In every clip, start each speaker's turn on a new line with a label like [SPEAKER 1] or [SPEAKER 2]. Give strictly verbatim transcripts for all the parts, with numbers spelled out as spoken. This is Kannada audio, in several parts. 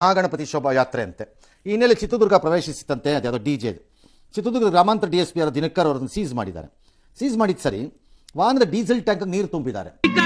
[SPEAKER 1] ಮಹಾಗಣಪತಿ ಶೋಭಾಯಾತ್ರೆ ಅಂತೆ ಈ ಹಿನ್ನೆಲೆ ಚಿತ್ರದುರ್ಗ ಪ್ರವೇಶಿಸಿತಂತೆ. ಅದ್ಯಾವುದೋ ಡಿ ಜೆ ಚಿತ್ರದುರ್ಗ ಗ್ರಾಮಾಂತರ ಡಿ ಎಸ್ ಪಿ ಆದ ದಿನಕರ್ ಅವರನ್ನು ಸೀಸ್ ಮಾಡಿದ್ದಾರೆ. ಸೀಸ್ ಮಾಡಿದ ಸರಿ ವಾಹನದ ಡೀಸೆಲ್ ಟ್ಯಾಂಕ್ ನೀರು ತುಂಬಿದ್ದಾರೆ.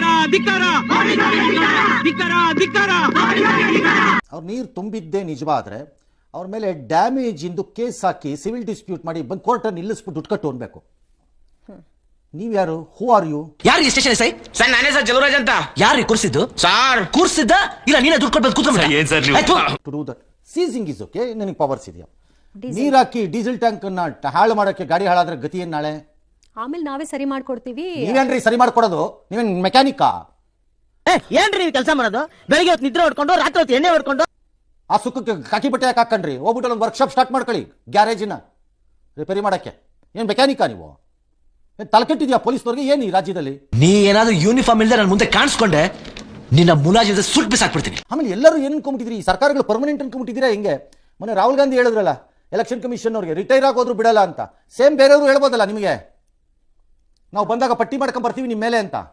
[SPEAKER 1] ಅವ್ರು ನೀರು ತುಂಬಿದ್ದೇ ನಿಜವಾದ್ರೆ ಅವ್ರ ಮೇಲೆ ಡ್ಯಾಮೇಜ್ ಇಂದು ಕೇಸ್ ಹಾಕಿ ಸಿವಿಲ್ ಡಿಸ್ಪ್ಯೂಟ್ ಮಾಡಿ ಬಂದು ಕೋರ್ಟನ್ನು ನಿಲ್ಲಿಸ್ಬಿಟ್ಟು ದುಡ್ಡು ಕಟ್ಟು ಅನ್ಬೇಕು. ನೀವ್ ಯಾರು? Who are you?
[SPEAKER 2] ಯಾರು ಈ ಸ್ಟೇಷನ್ ಸೈ? ಸರ್ ನಾನೇ ಸರ್ ಜಲರಾಜ್ ಅಂತ. ಯಾರು ಕೂರ್ಸಿದ್ದು? ಸರ್ ಕೂರ್ಸಿದ್ದ ಇಲ್ಲ ನೀನೇ ದುಡ್ಡು ಕೊಟ್ಟು ಕೂತ್ಕೊಂಡ್ರೆ ಏನ್ ಸರ್ ನೀವು?
[SPEAKER 1] To do that seizing is okay. ನನಗೆ ಪವರ್ಸ್ ಇದೆಯಾ? ನೀರ್ ಹಾಕಿ ಡೀಸೆಲ್ ಟ್ಯಾಂಕ್ ಅನ್ನ ಹಾಳು ಮಾಡಕ್ಕೆ ಗಾಡಿ ಹಾಳಾದ್ರೆ ಗತಿ ಏನ್ ನಾಳೆ?
[SPEAKER 3] ಆಮೇಲೆ ನಾವೇ ಸರಿ ಮಾಡ್ಕೊಡ್ತೀವಿ.
[SPEAKER 1] ನೀವೇನ್ರಿ ಸರಿ ಮಾಡ್ಕೊಡೋದು? ನೀವೇನ್ ಮೆಕ್ಯಾನಿಕಾ?
[SPEAKER 4] ಏನ್ರಿ ನೀವು ಕೆಲಸ ಮಾಡೋದು? ಬೆಳಿಗ್ಗೆ ಹೊತ್ತು ನಿದ್ರೆ ಹೊಡ್ಕೊಂಡು ರಾತ್ರಿ ಹೊತ್ತು ಎಣ್ಣೆ ಹೊಡ್ಕೊಂಡು
[SPEAKER 1] ಆ ಸುಖಕ್ಕೆ ಕಾಕಿ ಬಟ್ಟೆ ಯಾಕೆ ಹಾಕೊಂಡ್ರಿ? ಹೋಗ್ಬಿಟ್ಟು ಒಂದು ವರ್ಕ್ಶಾಪ್ ಸ್ಟಾರ್ಟ್ ಮಾಡ್ಕೊಳ್ಳಿ, ಗ್ಯಾರೇಜಿನ ರಿಪೇರಿ ಮಾಡಕ್ಕೆ. ಏನ್ ಮೆಕ್ಯಾನಿಕಾ ನೀವು? ತಲೆಕೆಟ್ಟಿದ್ಯಾ ಪೊಲೀಸ್ನವ್ರಿಗೆ ಏನು ಈ ರಾಜ್ಯದಲ್ಲಿ?
[SPEAKER 2] ನೀ ಏನಾದ್ರೂ ಯೂನಿಫಾರ್ಮ್ ಇಲ್ಲದೆ ನನ್ನ ಮುಂದೆ ಕಾಣಿಸ್ಕೊಂಡೆ ನಿನ್ನ ಮುಲಾಜಿಂದ ಸುಟ್ಟು ಬಿಸಾಕ್ಬಿಡ್ತೀನಿ.
[SPEAKER 1] ಆಮೇಲೆ ಎಲ್ಲರೂ ಏನು ಅನ್ಕೊಂಬಿಟ್ಟಿದ್ರಿ? ಈ ಸರ್ಕಾರಗಳು ಪರ್ಮನೆಂಟ್ ಅನ್ಕೊಂಬಿಟ್ಟಿದ್ದೀರಾ ಹೆಂಗೆ? ಮೊನ್ನೆ ರಾಹುಲ್ ಗಾಂಧಿ ಹೇಳಿದ್ರಲ್ಲ ಎಲೆಕ್ಷನ್ ಕಮಿಷನ್ ಅವ್ರಿಗೆ ರಿಟೈರ್ ಆಗೋದ್ರು ಬಿಡಲ್ಲ ಅಂತ. ಸೇಮ್ ಬೇರೆಯವರು ಹೇಳ್ಬೋದಲ್ಲ ನಿಮಗೆ, ನಾವು ಬಂದಾಗ ಪಟ್ಟಿ ಮಾಡ್ಕೊಂಡ್ ಬರ್ತೀವಿ ನಿಮ್ಮ ಮೇಲೆ ಅಂತ.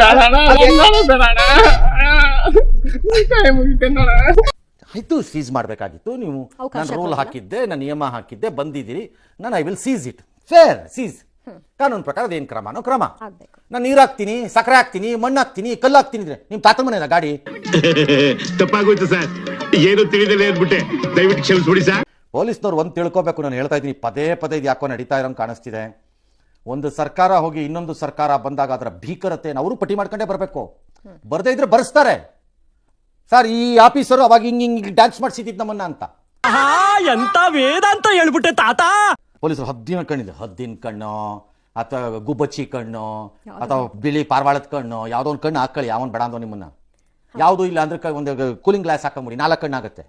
[SPEAKER 1] ಆಯ್ತು, ಸೀಸ್ ಮಾಡಬೇಕಾಗಿತ್ತು ನೀವು. ನಾನು ರೂಲ್ ಹಾಕಿದ್ದೆ, ನಾನು ನಿಯಮ ಹಾಕಿದ್ದೆ, ಬಂದಿದ್ದೀರಿ, ನಾನು I will seize it. Fair seize. ಕಾನೂನು ಪ್ರಕಾರ ಅದೇನು ಕ್ರಮನೋ ಕ್ರಮ. ನಾನು ನೀರು ಹಾಕ್ತೀನಿ, ಸಕ್ಕರೆ ಹಾಕ್ತೀನಿ, ಮಣ್ಣು ಹಾಕ್ತೀನಿ, ಕಲ್ಲು ಹಾಕ್ತೀನಿ ಅಂದ್ರೆ ನಿಮ್ಮ ತಾತ ಮನೆಯದ ಗಾಡಿ?
[SPEAKER 5] ತಪ್ಪಾಗೋಯ್ತು ಸರ್, ಏನು ತಿಳಿದಲೇ ಅಂದ್ಬಿಟ್ಟೆ, ದಯವಿಟ್ಟು ಕ್ಷಮಿಸ್ಬಿಡಿ ಸರ್.
[SPEAKER 1] ಪೊಲೀಸ್ನವ್ರು ಒಂದು ತಿಳ್ಕೊಬೇಕು. ನಾನು ಹೇಳ್ತಾ ಇದ್ದೀನಿ, ಪದೇ ಪದೇ ಇದು ಯಾಕೋ ನಡೀತಾ ಇರೋಂಗೆ ಕಾಣಿಸ್ತಿದೆ. ಒಂದು ಸರ್ಕಾರ ಹೋಗಿ ಇನ್ನೊಂದು ಸರ್ಕಾರ ಬಂದಾಗ ಅದರ ಭೀಕರತೆಯನ್ನು ಅವರು ಪಟ್ಟಿ ಮಾಡ್ಕೊಂಡೇ ಬರಬೇಕು. ಬರದೇ ಇದ್ರೆ ಬರೆಸ್ತಾರೆ. ಸರ್ ಈ ಆಫೀಸರು ಅವಾಗ ಹಿಂಗ್ ಹಿಂಗ್ ಡ್ಯಾನ್ಸ್ ಮಾಡಿಸಿದ್ದು ನಮ್ಮನ್ನ ಅಂತ.
[SPEAKER 4] ಎಂತ ವೇದ ಅಂತ ಹೇಳ್ಬಿಟ್ಟೆ ತಾತ.
[SPEAKER 1] ಪೊಲೀಸರು ಹದ್ದಿನ ಕಣ್ಣಿದೆ, ಹದ್ದಿನ ಕಣ್ಣು ಅಥವಾ ಗುಬ್ಬಚ್ಚಿ ಕಣ್ಣು ಅಥವಾ ಬಿಳಿ ಪಾರ್ವಾಳದ ಕಣ್ಣು, ಯಾವುದೋ ಒಂದು ಕಣ್ಣು ಹಾಕೊಳ್ಳಿ, ಯಾವನ್ ಬೇಡ ಅಂದೋ ನಿಮ್ಮನ್ನ. ಯಾವುದೂ ಇಲ್ಲ ಅಂದ್ರೆ ಒಂದು ಕೂಲಿಂಗ್ ಗ್ಲಾಸ್ ಹಾಕೊಂಬಿಡಿ, ನಾಲ್ಕು ಕಣ್ಣು ಆಗುತ್ತೆ.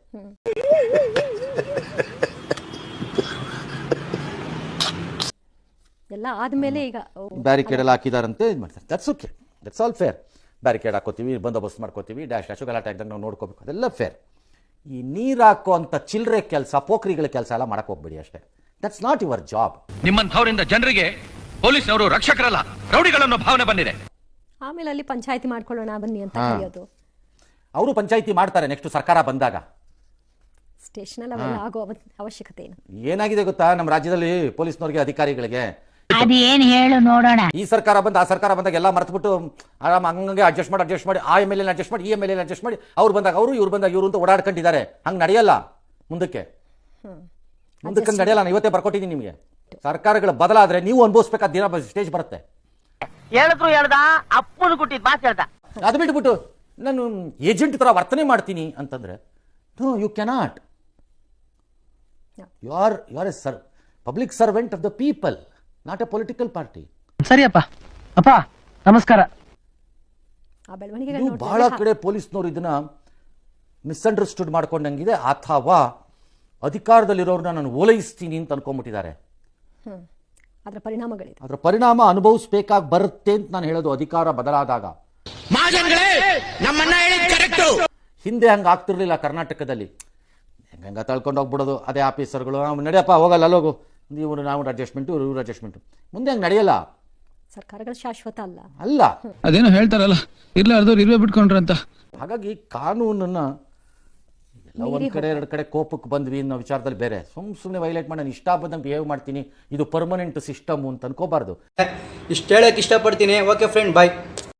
[SPEAKER 3] ಎಲ್ಲ ಆದ್ಮೇಲೆ ಈಗ
[SPEAKER 1] ಬ್ಯಾರಿಕೇಡ್ ಎಲ್ಲ ಹಾಕಿದಾರಂತೆ, ಇದು ಮಾಡ್ತಾರೆ. That's okay, that's all fair. Barricade ಹಾಕೋತೀವಿ, ಬಂದೋಬಸ್ತ್ ಮಾಡ್ಕೋತೀವಿ, ಡ್ಯಾಶ್ ಡ್ಯಾಶು ಗಲಾಟೆ ಆಗ್ದಂಗೆ ನಾವು ನೋಡ್ಕೋಬೇಕು, ಅದೆಲ್ಲ ಫೇರ್. ಈ ನೀರು ಹಾಕೋ ಅಂತ ಚಿಲ್ಲರೆ ಕೆಲಸ, ಪೋಖ್ರಿಗಳ ಕೆಲಸ ಎಲ್ಲ ಮಾಡಕ್ಕೆ ಹೋಗ್ಬೇಡಿ ಅಷ್ಟೇ. That's not your job.
[SPEAKER 6] ನಿಮ್ಮಂಥವರಿಂದ ಜನರಿಗೆ ಪೊಲೀಸ್ನವರು ರಕ್ಷಕರಲ್ಲ, ರೌಡಿಗಳನ್ನೋ ಭಾವನೆ ಬಂದಿದೆ.
[SPEAKER 3] ಆಮೇಲೆ ಅಲ್ಲಿ ಪಂಚಾಯತಿ ಮಾಡ್ಕೊಳ್ಳೋಣ ಬನ್ನಿ ಅಂತ ಕರೆಯೋದು.
[SPEAKER 1] ಅವರು ಪಂಚಾಯತಿ ಮಾಡ್ತಾರೆ ನೆಕ್ಸ್ಟ್ ಸರ್ಕಾರ ಬಂದಾಗ.
[SPEAKER 3] ಸ್ಟೇಷನ್ ಅಲ್ಲಿ ಅವೆಲ್ಲ ಆಗೋ ಅವಶ್ಯಕತೆ ಏನು?
[SPEAKER 1] ಏನಾಗಿದೆ ಗೊತ್ತಾ ನಮ್ಮ ರಾಜ್ಯದಲ್ಲಿ ಪೊಲೀಸ್ನವ್ರಿಗೆ, ಅಧಿಕಾರಿಗಳಿಗೆ?
[SPEAKER 7] ಅದೇನ್ ಹೇಳು ನೋಡೋಣ.
[SPEAKER 1] ಈ ಸರ್ಕಾರ ಬಂದ ಆ ಸರ್ಕಾರ ಬಂದಾಗ ಎಲ್ಲ ಮರ್ತ್ಬಿಟ್ಟು ಆರಾಮ್ ಹಂಗೆ ಅಡ್ಜಸ್ಟ್ ಮಾಡಿ ಅಡ್ಜಸ್ಟ್ ಮಾಡಿ ಆ ಎಮ್ ಎಲ್ ಎ ಅಡ್ಜಸ್ಟ್ ಮಾಡಿ ಈ ಎಮ್ ಎಲ್ ಎ ಅಡ್ಜಸ್ಟ್ ಮಾಡಿ ಅವ್ರು ಬಂದಾಗ ಅವರು, ಇವ್ರು ಬಂದಾಗ ಇವರು ಅಂತ ಓಡಾಡ್ಕೊಂಡಿದ್ದಾರೆ. ಹಂಗೆ ನಡೆಯಲ್ಲ ಮುಂದಕ್ಕೆ. ಮುಂದಕ್ಕೆ ನಡೆಯಲ್ಲ. ನಾನು ಇವತ್ತೇ ಬರ್ಕೊಟ್ಟಿದ್ದೀನಿ ನಿಮಗೆ. ಸರ್ಕಾರಗಳು ಬದಲಾದ್ರೆ ನೀವು ಅನುಭವಿಸ್ಬೇಕಾದ ದಿನ ಸ್ಟೇಜ್ ಬರುತ್ತೆ.
[SPEAKER 4] ಹೇಳಿದ್ರು ಹೇಳ್ದ, ಅಪ್ಪನ ಕೊಟ್ಟಿದ್ ಮಾತು ಹೇಳ್ದ.
[SPEAKER 1] ಅದು ಬಿಟ್ಬಿಟ್ಟು ನಾನು ಏಜೆಂಟ್ ತರ ವರ್ತನೆ ಮಾಡ್ತೀನಿ ಅಂತಂದ್ರೆ no, you cannot. You are you are a sir public servant of the people, not a political party.
[SPEAKER 4] ಸರಿಯಪ್ಪ ಅಪ್ಪ ನಮಸ್ಕಾರ.
[SPEAKER 1] ನೀವು ಬಹಳ ಕಡೆ ಪೊಲೀಸ್ನವರು ಇದನ್ನ ಮಿಸ್ಅಂಡರ್ಸ್ಟುಡ್ ಮಾಡ್ಕೊಂಡಂಗಿದೆ, ಅಥವಾ ಅಧಿಕಾರದಲ್ಲಿರೋರನ್ನ ನಾನು ಓಲೈಸ್ತೀನಿ ಅಂತ ಅನ್ಕೊಂಡ್ಬಿಟ್ಟಿದ್ದಾರೆ.
[SPEAKER 3] ಅದರ ಪರಿಣಾಮಗಳಿದೆ.
[SPEAKER 1] ಅದರ ಪರಿಣಾಮ ಅನುಭವಿಸ್ಬೇಕಾಗಿ ಬರುತ್ತೆ ಅಂತ ನಾನು ಹೇಳೋದು. ಅಧಿಕಾರ ಬದಲಾದಾಗ ಹಿಂದೆ ಹಂಗ ಆಗ್ತಿರ್ಲಿಲ್ಲ ಕರ್ನಾಟಕದಲ್ಲಿ. ಹೆಂಗ ತಳ್ಕೊಂಡು ಹೋಗ್ಬಿಡೋದು ಅದೇ ಆಫೀಸರ್ಗಳು, ನಡೆಯಪ್ಪ ಹೋಗಲ್ಲ ಅಲ್ಲೋಗು, ನೀವು ನಾವು ಅಡ್ಜಸ್ಟ್ಮೆಂಟು ಇವ್ರ ಅಡ್ಜಸ್ಟ್ಮೆಂಟು. ಮುಂದೆ ಹಂಗೆ ನಡೆಯಲ್ಲ.
[SPEAKER 3] ಸರ್ಕಾರಗಳು ಶಾಶ್ವತ ಅಲ್ಲ
[SPEAKER 1] ಅಲ್ಲ
[SPEAKER 8] ಅದೇನೋ ಹೇಳ್ತಾರಲ್ಲ, ಇರ್ಲಾರ್ದವ್ರು ಇರುವೆ ಬಿಟ್ಕೊಂಡ್ರಂತ.
[SPEAKER 1] ಹಾಗಾಗಿ ಕಾನೂನನ್ನ ಎಲ್ಲ ಒಂದ್ ಕಡೆ ಎರಡು ಕಡೆ ಕೋಪಕ್ಕೆ ಬಂದ್ವಿ ಅನ್ನೋ ವಿಚಾರದಲ್ಲಿ ಬೇರೆ. ಸುಮ್ ಸುಮ್ಮನೆ ವೈಲೇಟ್ ಮಾಡಿ ನಾನು ಇಷ್ಟ ಬಂದಂಗೆ ಬಿಹೇವ್ ಮಾಡ್ತೀನಿ, ಇದು ಪರ್ಮನೆಂಟ್ ಸಿಸ್ಟಮ್ ಅಂತ ಅನ್ಕೋಬಾರ್ದು.
[SPEAKER 9] ಇಷ್ಟ ಹೇಳಕ್ ಇಷ್ಟಪಡ್ತೀನಿ. ಓಕೆ ಫ್ರೆಂಡ್, ಬಾಯ್.